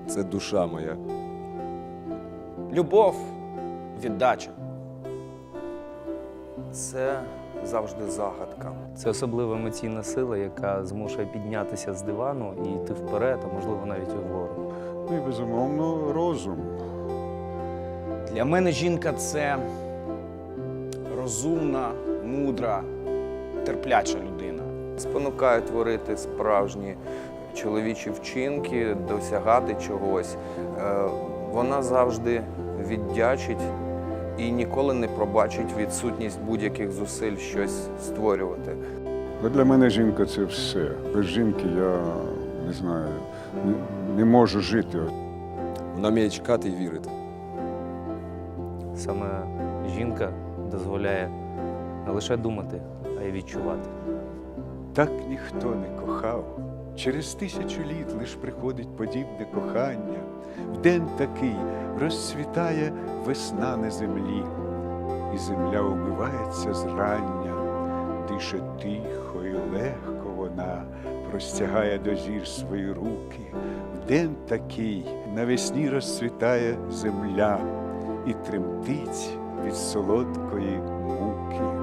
це душа моя. Любов, віддача. Це завжди загадка. Це особлива емоційна сила, яка змушує піднятися з дивану і йти вперед, а можливо навіть угору. Ну і, безумовно, розум. Для мене жінка – це розумна, мудра, терпляча людина. Спонукає творити справжні чоловічі вчинки, досягати чогось. Вона завжди віддячить і ніколи не пробачить відсутність будь-яких зусиль щось створювати. Але для мене жінка – це все. Без жінки я, не знаю, не можу жити. Вона вміє чекати і вірити. Саме жінка дозволяє не лише думати, а й відчувати. Так ніхто не кохав. Через 1000 літ лиш приходить подібне кохання. В день такий розцвітає весна на землі, і земля умивається зрання, дише тихо і легко вона, простягає до зір свої руки. В день такий навесні розцвітає земля і тремтить від солодкої муки.